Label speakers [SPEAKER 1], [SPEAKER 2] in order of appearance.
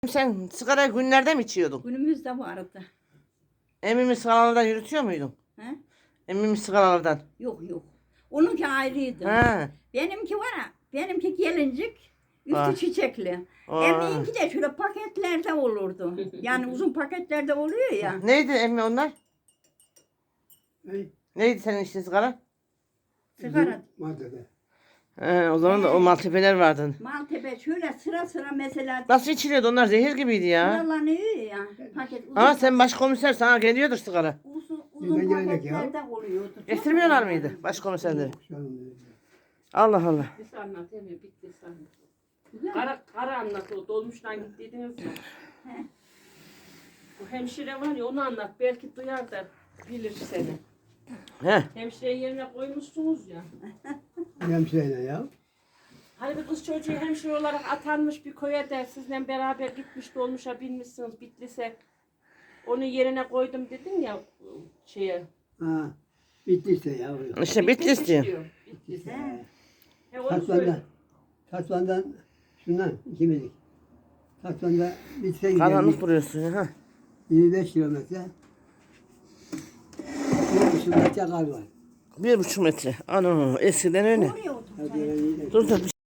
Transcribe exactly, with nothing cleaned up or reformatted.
[SPEAKER 1] Sen sigara günlerde mi içiyordun?
[SPEAKER 2] Günümüzde vardı.
[SPEAKER 1] Emmimi sigaralardan yürütüyor muydun?
[SPEAKER 2] He?
[SPEAKER 1] Emmimi sigaralardan.
[SPEAKER 2] Yok yok. Onunki ayrıydı.
[SPEAKER 1] Ha.
[SPEAKER 2] Benimki var ya, benimki gelincik, üstü
[SPEAKER 1] Ah.
[SPEAKER 2] çiçekli.
[SPEAKER 1] Ah.
[SPEAKER 2] Emmiğinki de şöyle paketlerde olurdu. Yani uzun paketlerde oluyor ya.
[SPEAKER 1] Neydi emmi onlar?
[SPEAKER 3] Ne?
[SPEAKER 1] Neydi senin içtiğin sigara?
[SPEAKER 2] Sigara.
[SPEAKER 3] Maddede.
[SPEAKER 1] He, o zaman da o maltepeler vardı.
[SPEAKER 2] Maltepe şöyle sıra sıra mesela
[SPEAKER 1] Nasıl içiliyordu onlar? Zehir gibiydi ya.
[SPEAKER 2] sıralanıyor ya. Paket uzun,
[SPEAKER 1] Ama sen başkomiser, sana geliyordur sigara.
[SPEAKER 2] uzun, uzun
[SPEAKER 3] Bize gelecek ya.
[SPEAKER 2] paketlerde oluyordu. Çok
[SPEAKER 1] Getirmiyorlar
[SPEAKER 2] oluyordu.
[SPEAKER 1] mıydı başkomiserleri?
[SPEAKER 3] Yok canım benim.
[SPEAKER 1] Allah Allah.
[SPEAKER 4] Bitti anlat Emre, bitti anlat.
[SPEAKER 2] Güzel.
[SPEAKER 4] Kara, kara anlat o dolmuştan gittiydiniz mi?
[SPEAKER 2] He.
[SPEAKER 4] Bu hemşire var ya onu anlat belki duyar da bilir seni.
[SPEAKER 1] He.
[SPEAKER 4] Hemşireyi yerine koymuşsunuz ya.
[SPEAKER 3] Hemşeyle ya.
[SPEAKER 4] Hani bir kız çocuğu hemşire olarak atanmış bir köye de sizle beraber gitmiş dolmuşa binmişsiniz Bitlis'e. Onu yerine koydum dedin ya şeye.
[SPEAKER 3] Ha. Bittiyse ya.
[SPEAKER 1] İşte Bitlis diyor.
[SPEAKER 4] Bitlis.
[SPEAKER 2] He.
[SPEAKER 4] He onu söyle.
[SPEAKER 3] Tatvan'dan. Tatvan'dan şundan ikimizlik. Tatvan'da bitse
[SPEAKER 1] Karanlık
[SPEAKER 3] giderdik.
[SPEAKER 1] vuruyorsun ha.
[SPEAKER 3] yirmi beş kilometre. Bir buçuk metre kar var.
[SPEAKER 1] Bir buçuk metre. Ano eskiden öyle.
[SPEAKER 2] Oraya otur.
[SPEAKER 3] Hadi öyle iyi de.
[SPEAKER 1] Dur dur.